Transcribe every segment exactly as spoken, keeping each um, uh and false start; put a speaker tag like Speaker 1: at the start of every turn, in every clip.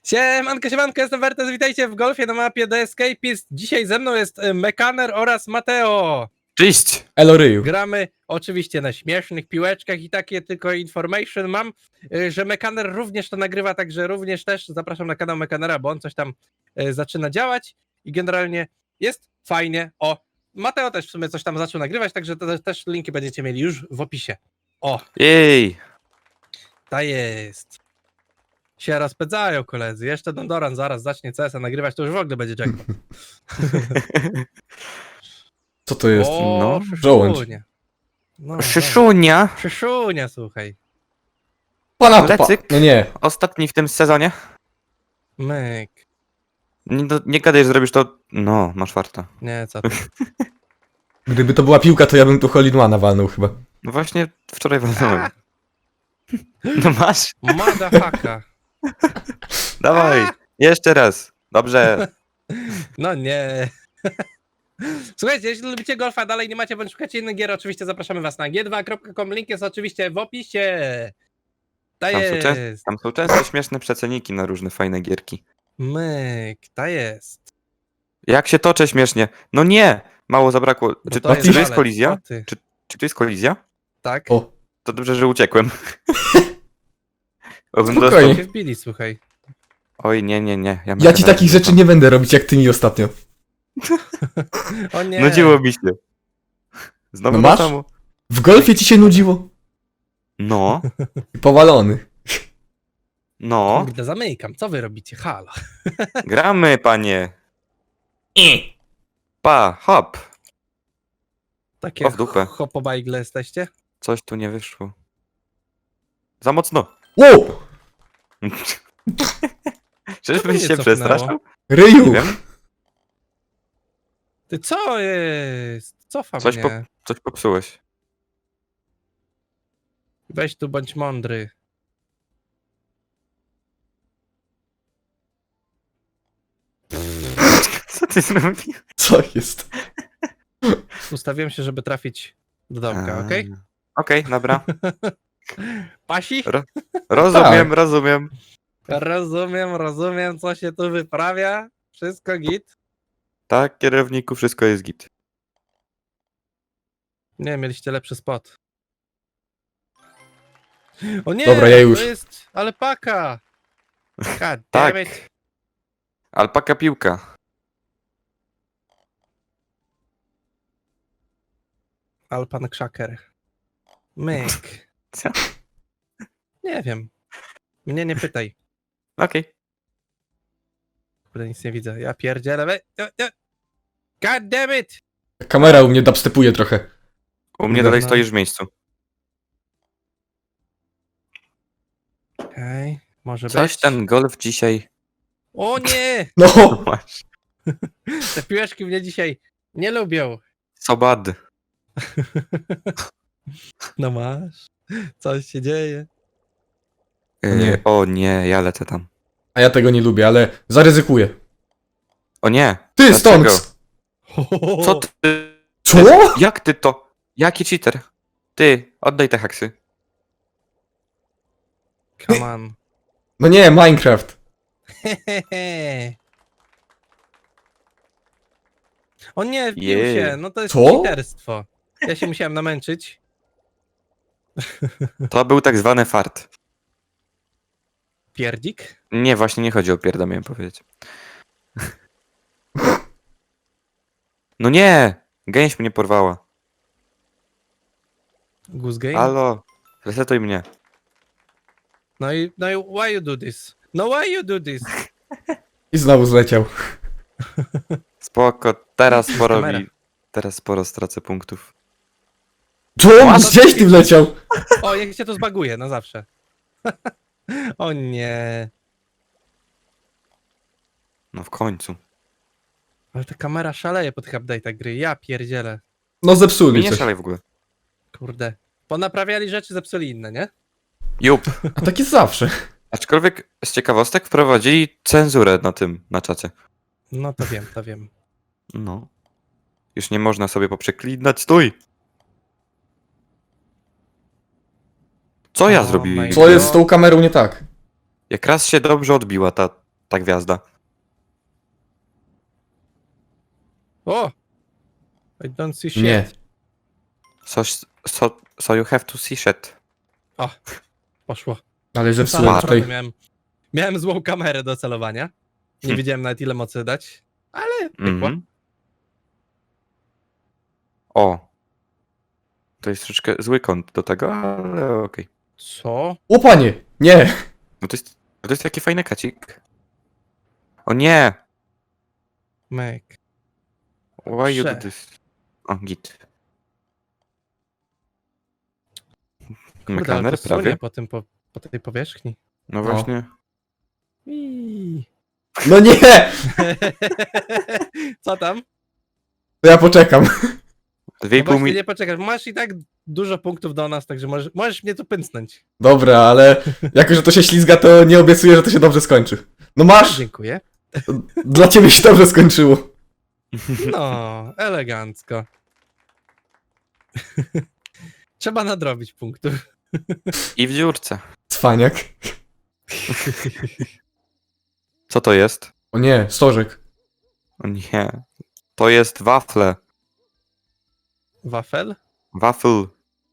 Speaker 1: Siemanko, siemanko, jestem Wertes, witajcie w golfie na mapie The Escapist. Dzisiaj ze mną jest e, Mekaner oraz Mateo.
Speaker 2: Cześć!
Speaker 3: Elo ryju.
Speaker 1: Gramy oczywiście na śmiesznych piłeczkach i takie tylko information mam, e, że Mekaner również to nagrywa, także również też zapraszam na kanał Mekanera, bo on coś tam e, zaczyna działać i generalnie jest fajnie. O, Mateo też w sumie coś tam zaczął nagrywać, także to też linki będziecie mieli już w opisie. O,
Speaker 2: Jej!
Speaker 1: ta jest. Się rozpędzają koledzy. Jeszcze Dondoran zaraz zacznie C S a nagrywać, to już w ogóle będzie jackpot.
Speaker 3: Co to jest?
Speaker 1: O,
Speaker 2: no,
Speaker 3: żołądź.
Speaker 1: szyszunia. No,
Speaker 2: Szyszunia!
Speaker 1: no. Szyszunia, słuchaj.
Speaker 3: Pana pa...
Speaker 2: Lecyk?
Speaker 3: No nie.
Speaker 2: Ostatni w tym sezonie.
Speaker 1: Myk.
Speaker 2: Nie, do, nie gadaj, że zrobisz to... No, masz warto.
Speaker 1: Nie, co ty.
Speaker 3: Gdyby to była piłka, to ja bym tu Holidmana walnął chyba.
Speaker 2: No właśnie wczoraj walnąłem. No masz?
Speaker 1: Madafaka.
Speaker 2: Dawaj! Jeszcze raz. Dobrze.
Speaker 1: No nie. Słuchajcie, jeśli lubicie golfa, dalej nie macie, bądź szukacie innych gier, oczywiście zapraszamy was na g dwa kropka com. Link jest oczywiście w opisie. Ta
Speaker 2: Tam są, często,
Speaker 1: jest.
Speaker 2: tam są często śmieszne przeceniki na różne fajne gierki.
Speaker 1: Myk, ta jest.
Speaker 2: Jak się toczę śmiesznie? No nie! Mało zabrakło.
Speaker 1: Bo
Speaker 2: Czy
Speaker 1: to
Speaker 2: to,
Speaker 1: jest
Speaker 2: czy to jest
Speaker 1: balet,
Speaker 2: kolizja?
Speaker 1: co ty?
Speaker 2: Czy, czy to jest kolizja?
Speaker 1: Tak?
Speaker 3: O,
Speaker 2: To dobrze, że uciekłem. Bo bym
Speaker 3: Spokojnie.
Speaker 2: dostał-
Speaker 1: Się wbili, słuchaj.
Speaker 2: Oj, nie, nie, nie.
Speaker 3: ja ci
Speaker 2: Mekana
Speaker 3: takich
Speaker 2: nie
Speaker 3: rzeczy nie będę robić jak ty mi ostatnio.
Speaker 1: O nie.
Speaker 2: Nudziło mi się. Znowu
Speaker 3: No
Speaker 2: to
Speaker 3: masz?
Speaker 2: samo.
Speaker 3: W golfie ci się nudziło?
Speaker 2: No,
Speaker 3: Powalony.
Speaker 2: no.
Speaker 1: Kurde, zamykam. Co wy robicie? Halo.
Speaker 2: Gramy, panie. Pa, hop.
Speaker 1: Takie
Speaker 2: O, w dupę.
Speaker 1: hopobajgle jesteście?
Speaker 2: Coś tu nie wyszło. Za mocno.
Speaker 3: Wow!
Speaker 2: Czyżbyś
Speaker 1: mnie
Speaker 2: się
Speaker 1: cofnęło?
Speaker 2: przestraszył? Nie
Speaker 3: Ryju!
Speaker 2: wiem.
Speaker 1: Ty co jest? Cofa
Speaker 2: Coś,
Speaker 1: mnie.
Speaker 2: po, coś popsułeś.
Speaker 1: Weź tu, bądź mądry.
Speaker 2: Co ty zrobił?
Speaker 3: Co jest?
Speaker 1: Ustawiłem się, żeby trafić do domka,
Speaker 2: A,
Speaker 1: okej?
Speaker 2: Okej, dobra.
Speaker 1: Pasi?
Speaker 2: Ro- Rozumiem,
Speaker 3: Tak.
Speaker 2: rozumiem.
Speaker 1: Rozumiem, rozumiem, co się tu wyprawia. Wszystko git.
Speaker 2: Tak, kierowniku, wszystko jest git.
Speaker 1: Nie, mieliście lepszy spot. O nie!
Speaker 3: Dobra, ja już.
Speaker 1: To jest alpaka! God damn
Speaker 2: Tak.
Speaker 1: it.
Speaker 2: Alpaka piłka.
Speaker 1: Alpan Krzaker. Myk.
Speaker 2: Co?
Speaker 1: Nie wiem. Mnie nie pytaj.
Speaker 2: Okej.
Speaker 1: Kurde, nic nie widzę. Ja pierdzielę. we- o, o. God damn it!
Speaker 3: Kamera u mnie dubstepuje trochę.
Speaker 2: U mnie
Speaker 3: No.
Speaker 2: dalej stoisz w miejscu.
Speaker 1: Okej, okay, może
Speaker 2: Coś
Speaker 1: być.
Speaker 2: ten golf dzisiaj...
Speaker 1: O nie!
Speaker 3: No!
Speaker 2: Masz.
Speaker 1: Te piłeczki mnie dzisiaj nie lubią.
Speaker 2: So bad.
Speaker 1: No masz. Coś się dzieje.
Speaker 2: Yy,
Speaker 3: Nie.
Speaker 2: O nie, ja lecę tam.
Speaker 3: A ja tego nie lubię, ale zaryzykuję.
Speaker 2: O nie.
Speaker 3: Ty,
Speaker 2: Dlaczego?
Speaker 3: Stonks!
Speaker 2: Co ty?
Speaker 3: Co?
Speaker 2: Jak ty to? Jaki cheater? Ty, oddaj te haksy.
Speaker 1: Come on.
Speaker 3: No nie, Minecraft.
Speaker 1: O nie, wbił
Speaker 2: Jej.
Speaker 1: się. No to jest
Speaker 3: Co?
Speaker 1: cheaterstwo. Ja się musiałem namęczyć.
Speaker 2: To był tak zwany fart.
Speaker 1: Pierdzik?
Speaker 2: Nie, właśnie nie chodzi o pierda, miałem powiedzieć. No nie! Gęś mnie porwała.
Speaker 1: Goose game?
Speaker 2: Halo, resetuj mnie.
Speaker 1: No i, no i why you do this? No why you do this?
Speaker 3: I znowu zleciał.
Speaker 2: Spoko, teraz sporo
Speaker 1: kamera.
Speaker 2: mi... Teraz sporo stracę punktów.
Speaker 3: Co? Gdzieś ty wleciał?
Speaker 1: O, jak się to zbaguje, na zawsze. O nie.
Speaker 2: No w końcu.
Speaker 1: Ale ta kamera szaleje po tych update'ach gry. Ja pierdzielę.
Speaker 3: No
Speaker 2: Mi
Speaker 3: zepsuli
Speaker 2: nie
Speaker 3: coś.
Speaker 2: szalej w ogóle.
Speaker 1: Kurde. Ponaprawiali rzeczy, zepsuli inne, nie?
Speaker 2: Jup.
Speaker 3: A tak jest zawsze.
Speaker 2: Aczkolwiek z ciekawostek wprowadzili cenzurę na tym, na czacie.
Speaker 1: No to wiem, to wiem.
Speaker 2: No. Już nie można sobie poprzeklinać. Stój! Co ja
Speaker 1: Oh
Speaker 2: zrobiłem?
Speaker 1: my
Speaker 3: Co jest z tą kamerą nie tak?
Speaker 2: Jak raz się dobrze odbiła ta ta gwiazda.
Speaker 1: O! I don't see shit.
Speaker 3: Nie.
Speaker 2: So, so, so you have to see shit.
Speaker 1: Poszło.
Speaker 3: Ale
Speaker 1: Sam
Speaker 3: zepsułem
Speaker 2: Smart.
Speaker 3: tutaj.
Speaker 1: miałem, miałem złą kamerę do celowania. Nie
Speaker 2: Hm.
Speaker 1: wiedziałem nawet ile mocy dać, ale pykło.
Speaker 2: Mhm. O. To jest troszeczkę zły kąt do tego, ale okej.
Speaker 1: Co?
Speaker 3: O panie! Nie!
Speaker 2: No to jest, to jest taki fajny kacik. O nie!
Speaker 1: Mek.
Speaker 2: Why you do
Speaker 1: Prze.
Speaker 2: this? O, git.
Speaker 1: Kurde, ale
Speaker 2: Mekaner
Speaker 1: to sunie
Speaker 2: prawie.
Speaker 1: po, tym, po, po tej powierzchni.
Speaker 2: No
Speaker 3: No.
Speaker 2: właśnie.
Speaker 1: Iii.
Speaker 3: No nie!
Speaker 1: Co tam?
Speaker 3: To ja poczekam.
Speaker 2: Dwie i
Speaker 1: No
Speaker 2: pół
Speaker 1: właśnie
Speaker 2: mi...
Speaker 1: nie poczekasz, masz i tak dużo punktów do nas, także możesz, możesz mnie tu pęcnąć.
Speaker 3: Dobra, ale jako, że to się ślizga, to nie obiecuję, że to się dobrze skończy. No masz!
Speaker 1: Dziękuję.
Speaker 3: Dla ciebie się dobrze skończyło.
Speaker 1: No, elegancko. Trzeba nadrobić punktów.
Speaker 2: I w dziurce.
Speaker 3: Cwaniak.
Speaker 2: Co to jest?
Speaker 3: O nie, stożek.
Speaker 2: O nie. To jest wafle.
Speaker 1: Wafel?
Speaker 2: Wafel.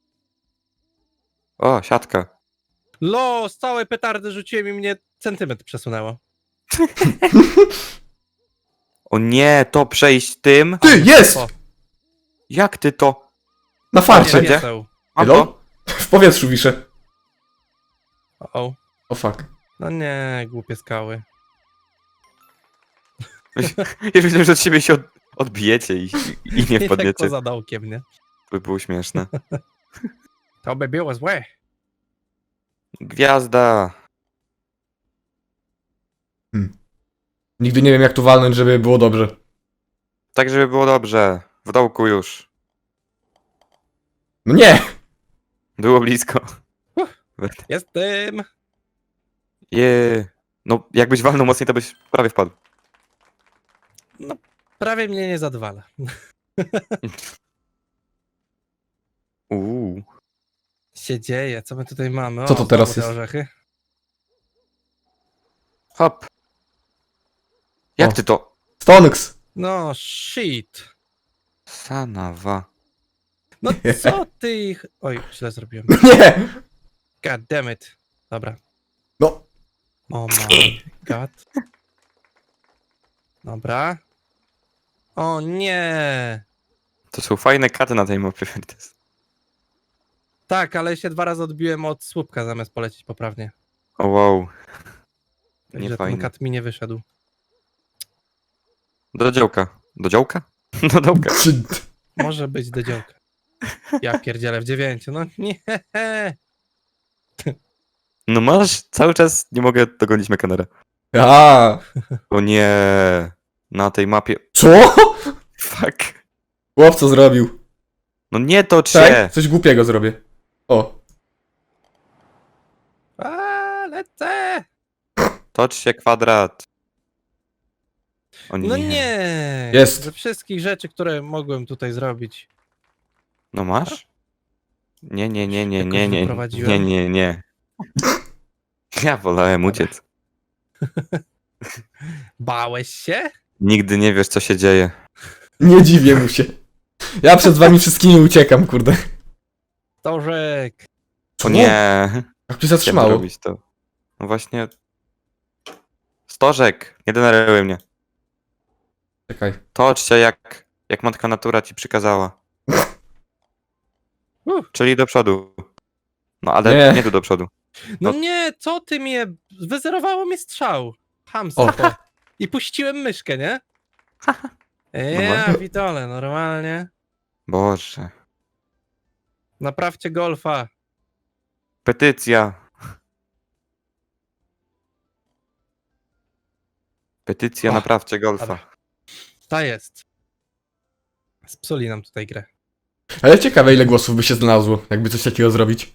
Speaker 2: O, siatka.
Speaker 1: Lo, z całej petardy rzuciłem i mnie centymetr przesunęło.
Speaker 2: O nie, to przejść tym?
Speaker 3: Ty, jest!
Speaker 1: O,
Speaker 2: Jak ty to?
Speaker 3: Na
Speaker 1: nie,
Speaker 3: farcie.
Speaker 2: Gdzie?
Speaker 1: nie są.
Speaker 2: Mam
Speaker 3: Hello?
Speaker 2: to?
Speaker 3: W powietrzu wiszę.
Speaker 1: O, o.
Speaker 3: O fuck.
Speaker 1: No nie, głupie skały.
Speaker 2: Ja myślę, że od siebie się od, odbijecie i, i, i nie
Speaker 1: I tak
Speaker 2: wpadniecie.
Speaker 1: poza dołkiem, nie?
Speaker 2: To by było śmieszne.
Speaker 1: To by było złe.
Speaker 2: Gwiazda.
Speaker 3: Nigdy nie wiem, jak tu walnąć, żeby było dobrze.
Speaker 2: Tak, żeby było dobrze. W dołku już.
Speaker 3: No nie!
Speaker 2: Było blisko.
Speaker 1: Jestem.
Speaker 2: Je. No, jakbyś walnął mocniej, to byś prawie wpadł.
Speaker 1: Prawie mnie nie zadwala.
Speaker 2: Uuu.
Speaker 1: Się dzieje, co my tutaj mamy? O,
Speaker 3: Co to teraz
Speaker 1: znowu te
Speaker 3: jest?
Speaker 1: orzechy.
Speaker 2: Hop. Jak
Speaker 3: O.
Speaker 2: ty to?
Speaker 3: Stonks!
Speaker 1: No, shit.
Speaker 2: Sanawa.
Speaker 1: No co ty ich... Oj, źle zrobiłem.
Speaker 3: Nie!
Speaker 1: God damn it. Dobra.
Speaker 3: No,
Speaker 1: Oh my god. Dobra. O nie.
Speaker 2: To są fajne katy na tej mapie. Wertes.
Speaker 1: Tak, ale się dwa razy odbiłem od słupka zamiast polecieć poprawnie.
Speaker 2: O wow. Nie
Speaker 1: Także ten
Speaker 2: fajne.
Speaker 1: kat mi nie wyszedł.
Speaker 2: Do działka. Do działka? Do dołka.
Speaker 3: czy...
Speaker 1: Może być do działka. Ja pierdzielę w dziewięciu. No nie.
Speaker 2: No masz, cały czas nie mogę dogonić Mekanera.
Speaker 3: A,
Speaker 2: O nie. Na tej mapie.
Speaker 3: co?
Speaker 2: Fuck.
Speaker 3: Chłop co zrobił?
Speaker 2: No nie tocz
Speaker 3: Czekaj,
Speaker 2: się.
Speaker 3: coś głupiego zrobię. O,
Speaker 1: A, lecę.
Speaker 2: Tocz się kwadrat. O nie.
Speaker 1: No nie.
Speaker 3: Jest.
Speaker 1: Ze wszystkich rzeczy, które mogłem tutaj zrobić.
Speaker 2: No masz? Nie, nie, nie, nie,
Speaker 1: Jakoś
Speaker 2: nie, nie, nie,
Speaker 1: wyprowadziłem.
Speaker 2: nie, nie. Ja wolałem
Speaker 1: Dobra.
Speaker 2: uciec.
Speaker 1: Bałeś się?
Speaker 2: Nigdy nie wiesz, co się dzieje.
Speaker 3: nie dziwię mu się. Ja przed wami wszystkimi uciekam, kurde.
Speaker 1: Stożek.
Speaker 2: O nie.
Speaker 3: Jak się
Speaker 2: Chciałem
Speaker 3: zatrzymało?
Speaker 2: robić to. No właśnie. Stożek, nie denerwuj mnie.
Speaker 3: Czekaj.
Speaker 2: Tocz się jak, jak matka natura ci przykazała.
Speaker 1: Uff.
Speaker 2: Czyli do przodu. No ale
Speaker 3: Nie.
Speaker 2: nie, tu do przodu.
Speaker 1: No
Speaker 2: No.
Speaker 1: nie, co ty mnie... Wyzerowało mi strzał. Hamstwo. I puściłem myszkę, nie? Ja,
Speaker 2: Normalnie.
Speaker 1: Witole, normalnie.
Speaker 2: Boże.
Speaker 1: Naprawcie golfa.
Speaker 2: Petycja. Petycja,
Speaker 1: O,
Speaker 2: naprawcie golfa.
Speaker 1: dobra. Ta jest. Spsuli nam tutaj grę.
Speaker 3: Ale ciekawe, ile głosów by się znalazło, jakby coś takiego zrobić.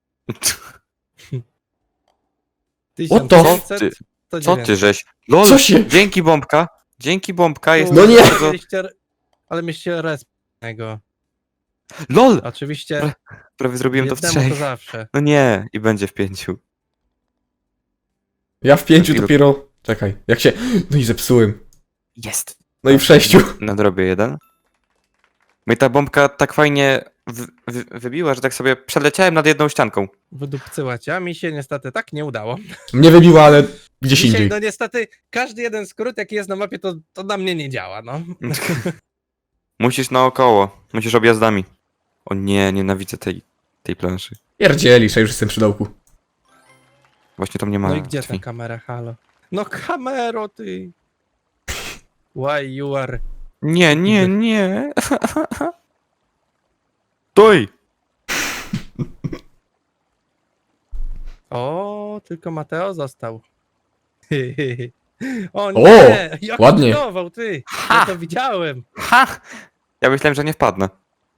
Speaker 1: tysiąc
Speaker 3: to?
Speaker 1: pięćset,
Speaker 2: Ty-
Speaker 1: to
Speaker 2: Co ty żeś? LOL,
Speaker 3: Co się-
Speaker 2: dzięki bombka. Dzięki bombka jest
Speaker 3: No nie!
Speaker 2: bardzo...
Speaker 1: Mieliście, ale mieliście respnego.
Speaker 2: LOL!
Speaker 1: Oczywiście
Speaker 2: Prawie zrobiłem to w
Speaker 1: jednemu to
Speaker 2: trzech.
Speaker 1: zawsze.
Speaker 2: No nie, i będzie w pięciu.
Speaker 3: Ja w pięciu
Speaker 2: Ilu?
Speaker 3: dopiero Czekaj, jak się... No i zepsułem.
Speaker 2: Jest.
Speaker 3: No i w sześciu.
Speaker 2: Nadrobię jeden. Mnie ta bombka tak fajnie w, w, wybiła, że tak sobie przeleciałem nad jedną ścianką.
Speaker 1: Wydupcyła cię, a mi się niestety tak nie udało.
Speaker 3: Mnie wybiła, ale gdzieś
Speaker 1: Dzisiaj,
Speaker 3: indziej.
Speaker 1: no niestety, każdy jeden skrót, jaki jest na mapie, to, to na mnie nie działa, no.
Speaker 2: Musisz naokoło. Musisz objazdami. O nie, nienawidzę tej, tej planszy.
Speaker 3: Pierdzielisz, a już jestem przy dołku.
Speaker 2: Właśnie tam nie ma
Speaker 1: No i gdzie ta
Speaker 2: drzwi.
Speaker 1: kamera, halo? No kamero, ty! Why you are...
Speaker 2: Nie, nie, nie. Stój!
Speaker 1: O, tylko Mateo został. O nie!
Speaker 3: O,
Speaker 1: Jak
Speaker 3: ładnie.
Speaker 1: budował, ty!
Speaker 2: Ha!
Speaker 1: Ja to widziałem.
Speaker 2: Ha! Ja myślałem, że nie wpadnę.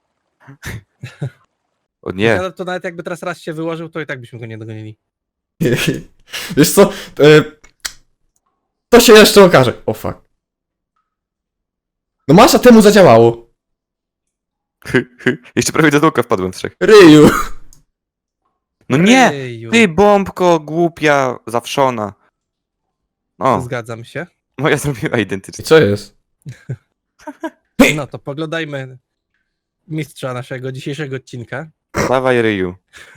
Speaker 2: O nie.
Speaker 1: Ja to nawet jakby teraz raz się wyłożył, to i tak byśmy go nie dogonili.
Speaker 3: Wiesz co? E, To się jeszcze okaże. O fuck. No masza temu zadziałało.
Speaker 2: Jeszcze prawie do dołka wpadłem w trzech.
Speaker 3: Ryju.
Speaker 2: No nie!
Speaker 1: Ryju.
Speaker 2: Ty bombko głupia, zawszona. O,
Speaker 1: Zgadzam się.
Speaker 2: moja zrobiła
Speaker 3: I
Speaker 2: identycznie.
Speaker 3: co jest?
Speaker 1: No to poglądajmy mistrza naszego dzisiejszego odcinka.
Speaker 2: Dawaj ryju.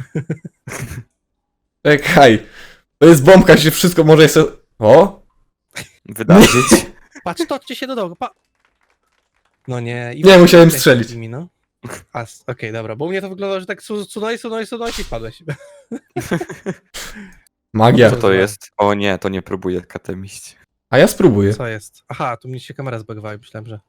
Speaker 3: Czekaj. To jest bombka, się wszystko może jeszcze... O?
Speaker 2: Wydarzyć.
Speaker 1: Patrz, toczcie się do dołu, pa... No nie... I
Speaker 3: Nie, musiałem
Speaker 1: lecisz
Speaker 3: strzelić.
Speaker 1: nimi, no. A, s- okej, dobra, bo u mnie to wyglądało, że tak su- sunąłeś, sunąłeś, sunąłeś i spadłeś.
Speaker 3: Magia.
Speaker 2: Co to jest? O nie, to nie próbuję katem iść.
Speaker 3: A ja spróbuję.
Speaker 1: Co jest? Aha, tu mi się kamera zbagowała i myślałem, że...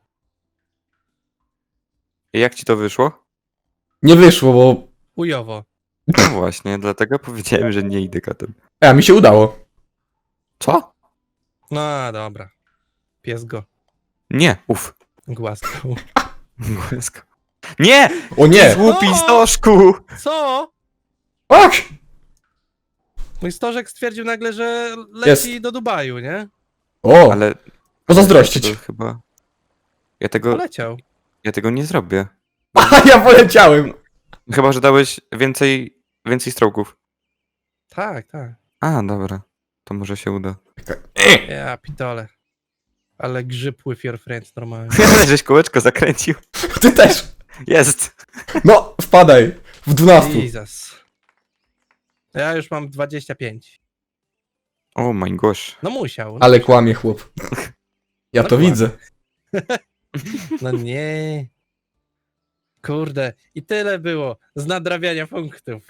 Speaker 2: I jak ci to wyszło?
Speaker 3: Nie wyszło, bo...
Speaker 1: Ujowo.
Speaker 2: No właśnie, dlatego powiedziałem, że nie idę katem.
Speaker 3: E, A, mi się udało.
Speaker 2: Co?
Speaker 1: No dobra. Pies go
Speaker 2: Nie, uf.
Speaker 1: głaskał.
Speaker 2: Głasko. Nie!
Speaker 3: O nie!
Speaker 2: Głupi
Speaker 1: No!
Speaker 2: stożku!
Speaker 1: Co?
Speaker 3: Fuck!
Speaker 1: Mój stożek stwierdził nagle, że leci
Speaker 3: Jest.
Speaker 1: do Dubaju, nie?
Speaker 3: O!
Speaker 2: Ale...
Speaker 3: Pozazdrościć.
Speaker 2: To chyba... Ja tego...
Speaker 1: Poleciał.
Speaker 2: Ja tego nie zrobię.
Speaker 3: A ja poleciałem!
Speaker 2: Chyba, że dałeś więcej... Więcej stroków.
Speaker 1: Tak, tak.
Speaker 2: A, dobra. To może się uda.
Speaker 1: Ja pitole. Ale grzyb with your friends normalnie.
Speaker 2: Ale żeś kółeczko zakręcił.
Speaker 3: Ty też!
Speaker 2: Jest!
Speaker 3: No, wpadaj! W dwunastu.
Speaker 1: Jesus. Ja już mam dwadzieścia pięć.
Speaker 2: O my gosh.
Speaker 1: No musiał. No,
Speaker 3: Ale kłamie chłop. Ja
Speaker 1: No
Speaker 3: to
Speaker 1: kłamie.
Speaker 3: widzę.
Speaker 1: no nie. Kurde. I tyle było z nadrabiania punktów.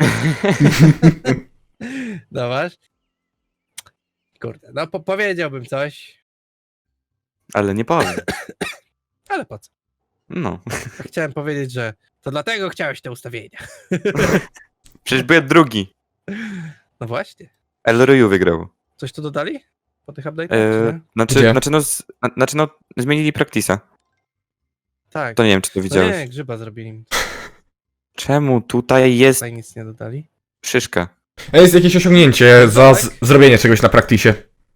Speaker 1: Dawasz? Kurde. No po powiedziałbym coś,
Speaker 2: Ale nie powiem.
Speaker 1: ale po co?
Speaker 2: No.
Speaker 1: Chciałem powiedzieć, że to dlatego chciałeś te ustawienia.
Speaker 2: Przecież byłem drugi.
Speaker 1: No właśnie.
Speaker 2: El Ryu wygrał.
Speaker 1: Coś tu dodali? Po tych update'ach?
Speaker 2: E,
Speaker 1: czy nie?
Speaker 2: znaczy,
Speaker 3: Gdzie?
Speaker 2: znaczy, no, z, na- znaczy, no, zmienili Practice'a.
Speaker 1: Tak.
Speaker 2: To nie wiem, czy to
Speaker 1: No
Speaker 2: widziałeś.
Speaker 1: nie, grzyba zrobili.
Speaker 2: Czemu tutaj jest
Speaker 1: Tutaj nic nie dodali.
Speaker 2: szyszka?
Speaker 3: A jest jakieś osiągnięcie za z- zrobienie czegoś na praktisie.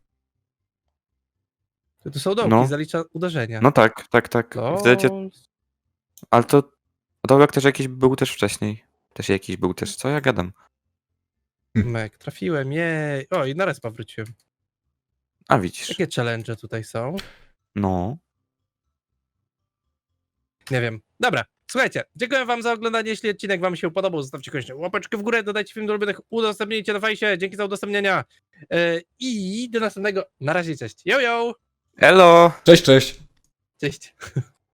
Speaker 1: To tu są dołki,
Speaker 2: No.
Speaker 1: zalicza uderzenia.
Speaker 2: No tak, tak, tak.
Speaker 1: Lol.
Speaker 2: Wiecie, ale to dołek też jakiś był też wcześniej. Też jakiś był też. Co ja gadam?
Speaker 1: Mek, trafiłem, jej. O, i na respa wróciłem.
Speaker 2: A widzisz.
Speaker 1: Jakie challenge tutaj są?
Speaker 2: No.
Speaker 1: Nie wiem. Dobra, słuchajcie, dziękuję wam za oglądanie. Jeśli odcinek wam się podobał, zostawcie koniecznie łapeczkę w górę, dodajcie film do ulubionych, udostępnijcie na fejsie. Dzięki za udostępniania. Yy, I do następnego. Na razie, cześć. Yo, yo!
Speaker 2: Elo!
Speaker 3: Cześć, cześć.
Speaker 1: Cześć.